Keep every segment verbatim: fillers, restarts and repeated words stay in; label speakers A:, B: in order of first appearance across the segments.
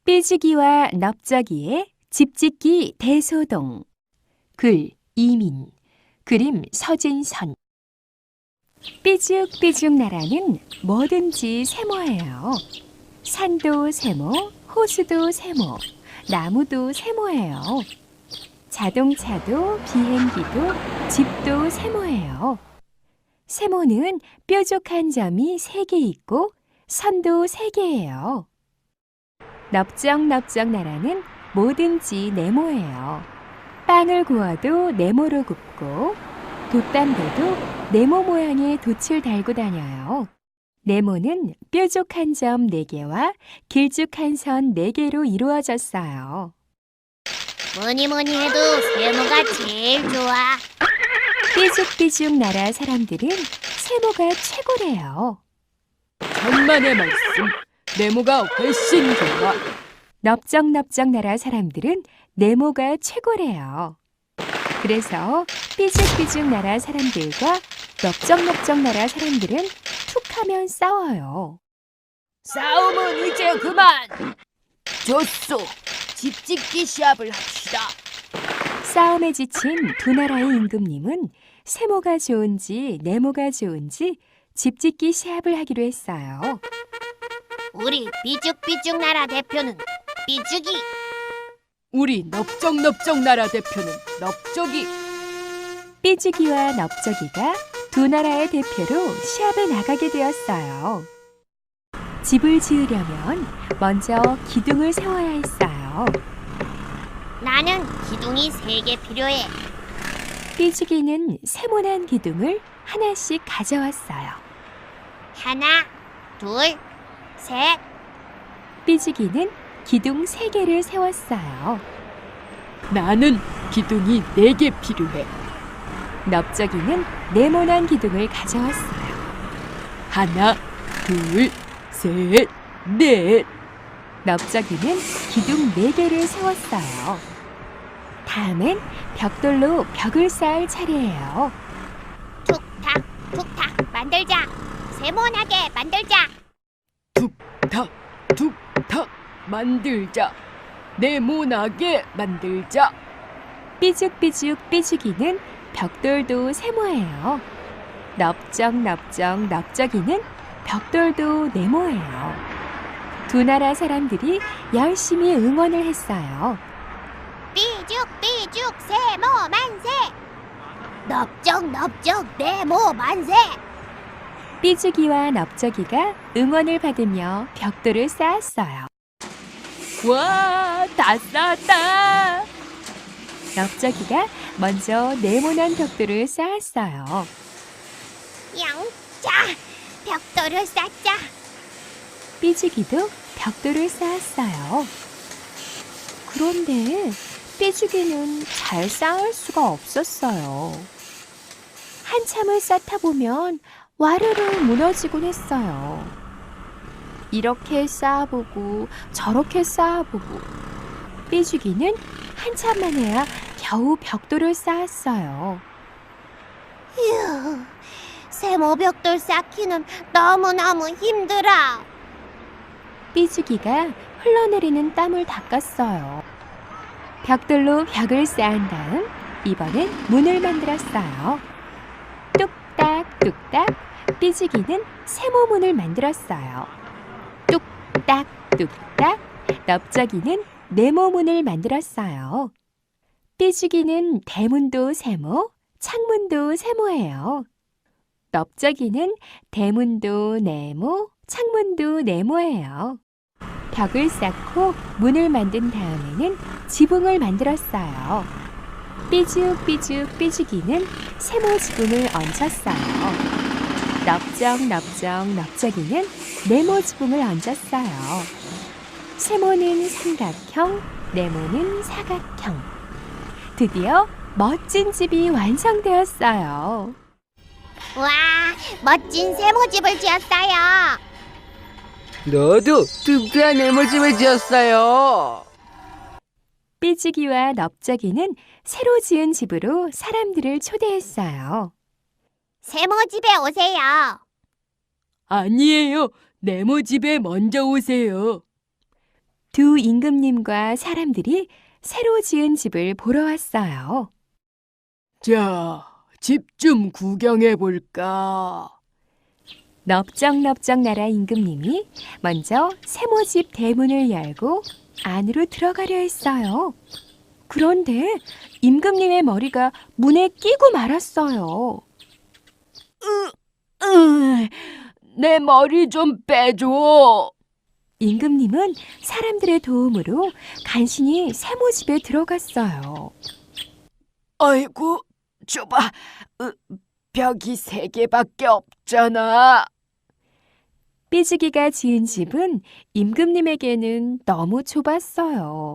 A: 삐지기와 넓적이의 집짓기 대소동. 글 이민, 그림 서진선. 삐죽삐죽 나라는 뭐든지 세모예요. 산도 세모, 호수도 세모, 나무도 세모예요. 자동차도 비행기도 집도 세모예요. 세모는 뾰족한 점이 세 개 있고 선도 세 개예요. 넓적넓적 나라는 뭐든지 네모예요. 빵을 구워도 네모로 굽고 돛담배도 네모 모양의 돛을 달고 다녀요. 네모는 뾰족한 점 네 개와 길쭉한 선 네 개로 이루어졌어요.
B: 뭐니 뭐니 해도 세모가 제일 좋아.
A: 삐죽삐죽 나라 사람들은 세모가 최고래요.
C: 천만의 말씀, 네모가 훨씬 좋아.
A: 넓적넓적 나라 사람들은 네모가 최고래요. 그래서 삐죽삐죽 나라 사람들과 넓적넓적 나라 사람들은 툭하면 싸워요.
C: 싸움은 이제 그만. 좋소, 집짓기 시합을 합시다.
A: 싸움에 지친 두 나라의 임금님은 세모가 좋은지 네모가 좋은지 집짓기 시합을 하기로 했어요.
B: 우리 삐죽삐죽 나라 대표는 삐죽이.
C: 우리 넓적넓적 나라 대표는 넓적이.
A: 삐죽이와 넓적이가 두 나라의 대표로 시합에 나가게 되었어요. 집을 지으려면 먼저 기둥을 세워야 했어요.
B: 나는 기둥이 세 개 필요해.
A: 삐죽이는 세모난 기둥을 하나씩 가져왔어요.
B: 하나, 둘, 셋.
A: 삐죽이는 기둥 세 개를 세웠어요.
C: 나는 기둥이 네 개 필요해.
A: 넓적이는 네모난 기둥을 가져왔어요.
C: 하나, 둘, 셋, 넷.
A: 넓적이는 기둥 네 개를 세웠어요. 다음엔 벽돌로 벽을 쌓을 차례예요.
B: 툭탁, 툭탁 만들자. 세모나게 만들자.
C: 툭탁, 툭탁 만들자. 네모나게 만들자.
A: 삐죽삐죽 삐죽이는 벽돌도 세모예요. 넓적넓적 넓적이는 벽돌도 네모예요. 두 나라 사람들이 열심히 응원을 했어요.
B: 삐죽삐죽 세모 만세. 넓적넓적 네모 만세.
A: 삐죽이와 넓적이가 응원을 받으며 벽돌을 쌓았어요.
C: 와, 다 쌓았다.
A: 넓적이가 먼저 네모난 벽돌을 쌓았어요.
B: 영자, 벽돌을 쌓자.
A: 삐죽이도 벽돌을 쌓았어요. 그런데 삐죽이는 잘 쌓을 수가 없었어요. 한참을 쌓다 보면 와르르 무너지곤 했어요. 이렇게 쌓아보고 저렇게 쌓아보고 삐죽이는 한참 만에야 겨우 벽돌을 쌓았어요.
B: 휴, 세모 벽돌 쌓기는 너무너무 힘들어.
A: 삐죽이가 흘러내리는 땀을 닦았어요. 벽돌로 벽을 쌓은 다음 이번엔 문을 만들었어요. 뚝딱뚝딱 삐죽이는 세모문을 만들었어요. 뚝딱뚝딱 넓적이는 네모문을 만들었어요. 삐죽이는 대문도 세모, 창문도 세모예요. 넓적이는 대문도 네모, 창문도 네모예요. 벽을 쌓고 문을 만든 다음에는 지붕을 만들었어요. 삐죽삐죽 삐죽이는 세모 지붕을 얹었어요. 넓적넓적 넓적이는 네모 지붕을 얹었어요. 세모는 삼각형, 네모는 사각형. 드디어 멋진 집이 완성되었어요.
B: 와, 멋진 세모집을 지었어요.
D: 너도 뚱뚱한 네모집을 지었어요.
A: 삐죽이와 넓적이는 새로 지은 집으로 사람들을 초대했어요.
B: 세모집에 오세요.
C: 아니에요. 네모 집에 먼저 오세요.
A: 두 임금님과 사람들이 새로 지은 집을 보러 왔어요.
C: 자, 집 좀 구경해 볼까?
A: 넓적넓적 나라 임금님이 먼저 세모집 대문을 열고 안으로 들어가려 했어요. 그런데 임금님의 머리가 문에 끼고 말았어요.
C: 으, 내 머리 좀 빼줘.
A: 임금님은 사람들의 도움으로 간신히 세모집에 들어갔어요.
C: 아이고, 좁아. 으, 벽이 세 개밖에 없잖아.
A: 삐지기가 지은 집은 임금님에게는 너무 좁았어요.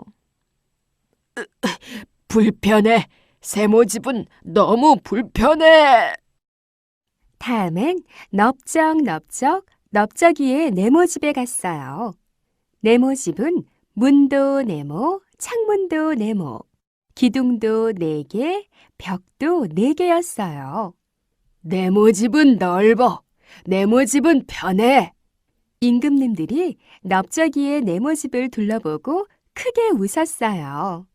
C: 불편해. 세모집은 너무 불편해.
A: 다음엔 넓적넓적 넓적이의 네모집에 갔어요. 네모집은 문도 네모, 창문도 네모, 기둥도 네 개, 벽도 네 개였어요.
C: 네모집은 넓어. 네모집은 편해.
A: 임금님들이 넓적이의 네모집을 둘러보고 크게 웃었어요.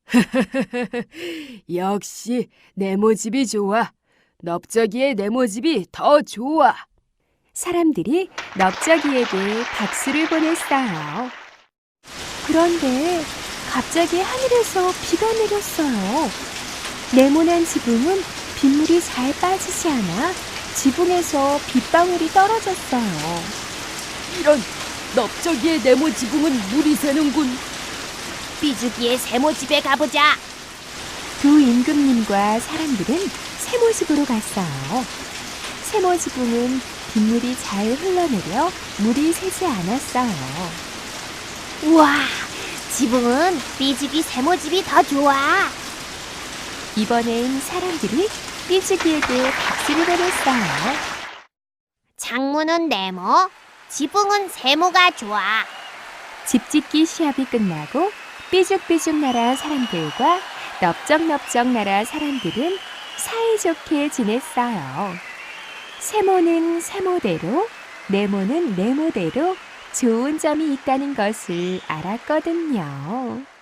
C: 역시 네모집이 좋아. 넓적이의 네모집이 더 좋아.
A: 사람들이 넓적이에게 박수를 보냈어요. 그런데 갑자기 하늘에서 비가 내렸어요. 네모난 지붕은 빗물이 잘 빠지지 않아 지붕에서 빗방울이 떨어졌어요.
C: 이런, 넓적이의 네모 지붕은 물이 새는군.
B: 삐죽이의 세모집에 가보자.
A: 두 임금님과 사람들은 세모집으로 갔어요. 세모지붕은 빗물이 잘 흘러내려 물이 새지 않았어요.
B: 우와, 지붕은 삐죽이 세모집이 더 좋아.
A: 이번엔 사람들이 삐죽이에게 박수를 보냈어요.
B: 창문은 네모, 지붕은 세모가 좋아.
A: 집짓기 시합이 끝나고 삐죽삐죽 나라 사람들과 넓적넓적 나라 사람들은 사이좋게 지냈어요. 세모는 세모대로, 네모는 네모대로 좋은 점이 있다는 것을 알았거든요.